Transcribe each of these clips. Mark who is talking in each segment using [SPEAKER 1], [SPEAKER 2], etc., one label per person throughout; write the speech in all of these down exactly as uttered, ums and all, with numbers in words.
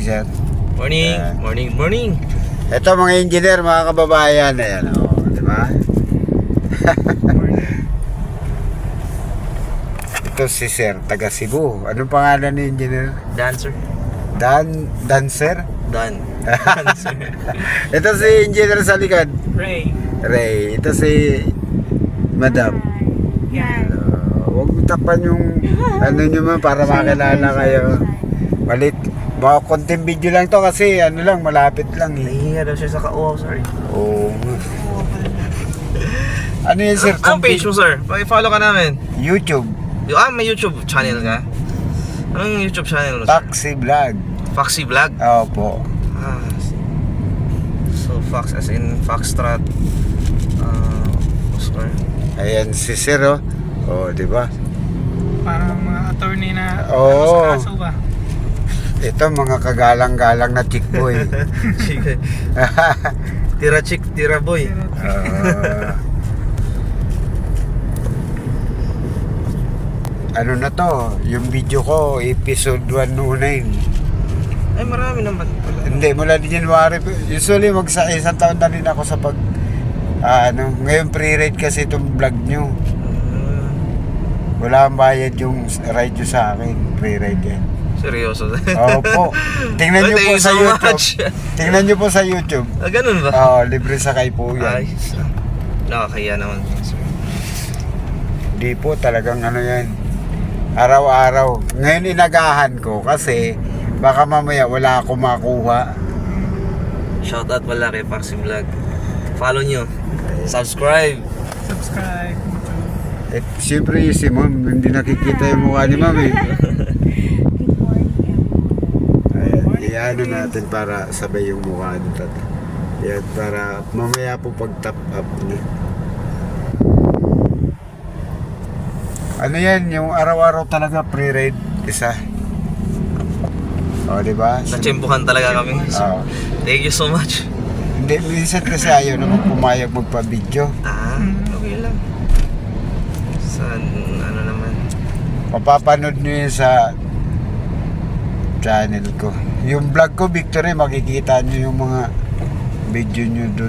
[SPEAKER 1] sir.
[SPEAKER 2] Morning,
[SPEAKER 1] Uh,
[SPEAKER 2] morning, morning.
[SPEAKER 1] Ito mga engineer, mga kababayan. Ayan, o, oh, di ba? Ito si sir, taga Cebu. Anong pangalan ni engineer?
[SPEAKER 2] Dancer.
[SPEAKER 1] Dan, Dancer?
[SPEAKER 2] Dan. Dancer.
[SPEAKER 1] Ito si engineer sa likod.
[SPEAKER 3] Ray.
[SPEAKER 1] Ray. Ito si Madam.
[SPEAKER 3] Yeah.
[SPEAKER 1] Uh, huwag mo tapan yung ano nyo man para makilala kayo. Malit. Mga konting video lang to kasi ano lang, malapit lang eh.
[SPEAKER 2] Nahihiya daw siya sa kauaw, sorry.
[SPEAKER 1] Oo. Ano yun sir?
[SPEAKER 2] Ang page mo, sir? Paki-follow ka namin.
[SPEAKER 1] YouTube.
[SPEAKER 2] Yung, ah, may YouTube channel ka? Anong YouTube channel mo, sir?
[SPEAKER 1] Taxi Vlog.
[SPEAKER 2] Foxy Vlog?
[SPEAKER 1] Opo.
[SPEAKER 2] Ah. So, Fox as in Foxtrot. Uh, Oscar.
[SPEAKER 1] Ayan si sir oh. Oh, di ba?
[SPEAKER 3] Parang mga attorney na
[SPEAKER 1] Oo.
[SPEAKER 3] ano sa kaso ba?
[SPEAKER 1] Ito mga kagalang-galang na chick boy.
[SPEAKER 2] Sige. Tira chick, tira boy.
[SPEAKER 1] Ah. Ano na to? Yung video ko, episode one oh nine.
[SPEAKER 2] Ay, marami naman pala.
[SPEAKER 1] Hindi, mula di January. Usually, mag sa isang taon na rin ako sa pag... ah, ano, ngayon pre-ride kasi itong vlog nyo.
[SPEAKER 2] Uh,
[SPEAKER 1] Wala ang bayad yung ride nyo sa akin. Pre-ride yan.
[SPEAKER 2] seryoso.
[SPEAKER 1] Opo. Tingnan nyo
[SPEAKER 2] Thank
[SPEAKER 1] po
[SPEAKER 2] you
[SPEAKER 1] sa
[SPEAKER 2] so
[SPEAKER 1] YouTube.
[SPEAKER 2] much.
[SPEAKER 1] Tingnan nyo po sa YouTube.
[SPEAKER 2] Ah, ganun ba?
[SPEAKER 1] Oo, libre sakay po yan.
[SPEAKER 2] Ay, nakakaya naman.
[SPEAKER 1] Hindi po, talagang ano yan. Araw-araw. Ngayon inagahan ko kasi baka mamaya wala akong makuha.
[SPEAKER 2] Shoutout pala kay Foxy Vlog. Follow nyo. Subscribe.
[SPEAKER 3] Subscribe.
[SPEAKER 1] Eh, siyempre si ma'am, hindi nakikita yung mukha ni ma'am eh. Ayan, iano natin para sabay yung mukha nito. Yan, para mamaya po pag top up niya. Ano yan, yung araw-araw talaga pre-ride isa. O, di ba?
[SPEAKER 2] Natsyempohan talaga kami.
[SPEAKER 1] Oo.
[SPEAKER 2] Thank you so much.
[SPEAKER 1] Hindi, minsan kasi ayaw naman pumayag magpa-video.
[SPEAKER 2] Ah, okay lang. Sa ano naman.
[SPEAKER 1] Mapapanood nyo yun sa channel ko. Yung vlog ko, Victory, makikita nyo yung mga video nyo dun.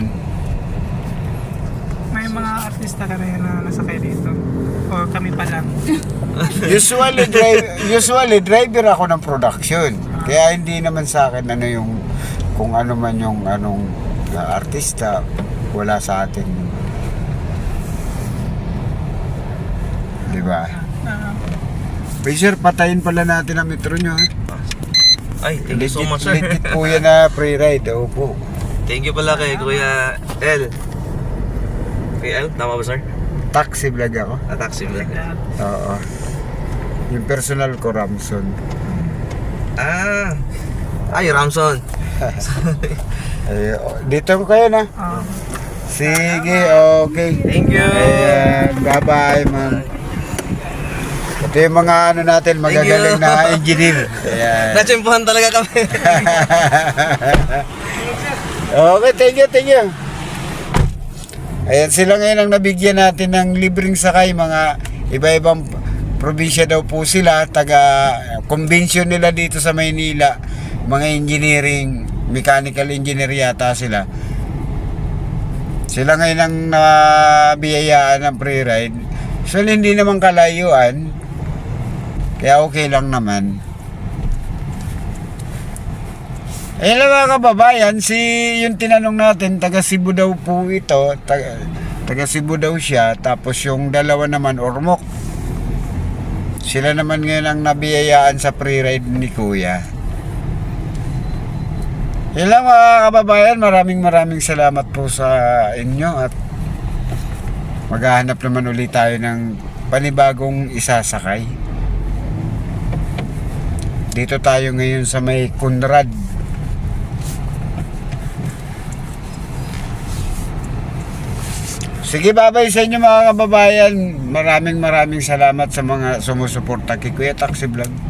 [SPEAKER 3] May mga artista ka rin na nasakay dito. O kami pa lang.
[SPEAKER 1] Usually, drive, usually driver ako ng production. Kaya hindi naman sa akin ano yung kung ano man yung anong uh, artista, wala sa atin. Di ba?
[SPEAKER 3] Uh,
[SPEAKER 1] Pero sir, patayin pala natin ang metro nyo. Ha?
[SPEAKER 2] Ay, thank you so
[SPEAKER 1] Legit,
[SPEAKER 2] much, sir.
[SPEAKER 1] legit po yan na pre-ride. Opo.
[SPEAKER 2] Thank you pala kay Kuya L. Kuya L, tama ba, sir?
[SPEAKER 1] Taxi vlog ako.
[SPEAKER 2] Ah, Taxi Vlog.
[SPEAKER 1] Oo. Yung personal ko, Ramson.
[SPEAKER 2] Ah, ay, Ramson.
[SPEAKER 1] Ay, oh, dito ko kayo na.
[SPEAKER 3] uh,
[SPEAKER 1] Sige, okay.
[SPEAKER 2] Thank you.
[SPEAKER 1] Ayan, bye-bye, ma'am. Ito yung mga ano natin, magagaling na engineer. Ayan.
[SPEAKER 2] Natsyempohan talaga kami.
[SPEAKER 1] Okay, thank you, thank you. Ayan, sila ngayon ang nabigyan natin ng libreng sakay. Mga iba-ibang probinsya daw po sila. Taga-convention nila dito sa Maynila. Mga engineering, mechanical engineer yata sila. Sila ngayon ang nabiyayaan ng pre-ride. So, hindi naman kalayuan. Kaya okay lang naman. Ayun lang mga kababayan, si yung tinanong natin, taga Cebu daw po ito, taga, taga Cebu daw siya, tapos yung dalawa naman, Ormoc. Sila naman ngayon ang nabiyayaan sa pre-ride ni Kuya. Ayun lang mga kababayan, maraming maraming salamat po sa inyo at maghahanap naman ulit tayo ng panibagong isasakay. Dito tayo ngayon sa may Conrad. Sige, babay sa inyo mga kababayan. Maraming maraming salamat sa mga sumusuporta kay Kuya Taxi Vlog.